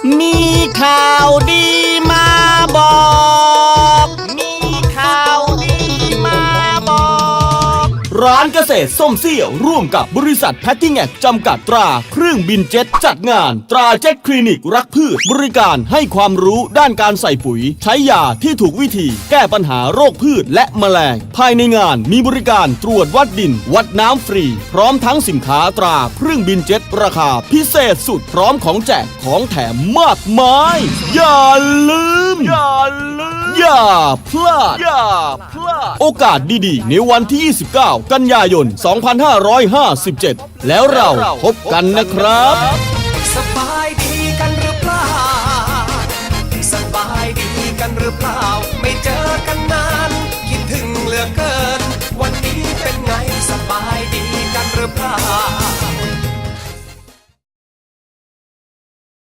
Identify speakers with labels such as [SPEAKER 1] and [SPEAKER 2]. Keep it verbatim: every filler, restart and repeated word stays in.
[SPEAKER 1] มีข่าวดีมาบอกมีข่าวดีมาบอกร้านเกษตรส้มเสี้ยวร่วมกับบริษัทแพทติ้งแอกจำกัดตราเครื่องบินเจ็ตจัดงานตราเจ็ตคลินิกรักพืชบริการให้ความรู้ด้านการใส่ปุ๋ยใช้ยาที่ถูกวิธีแก้ปัญหาโรคพืชและแมลงภายในงานมีบริการตรวจวัดดินวัดน้ำฟรีพร้อมทั้งสินค้าตราเครื่องบินเจ็ตราคาพิเศษสุดพร้อมของแจกของแถมมากมายอย่าลืมอย่าลืมอย่าพลาดอย่าพลาดโอกาสดีๆในวันที่ยี่สิบเก้ากันยายนสองพันห้าร้อยห้าสิบเจ็ดแล้วเราพบกันนะครับ
[SPEAKER 2] สบายดี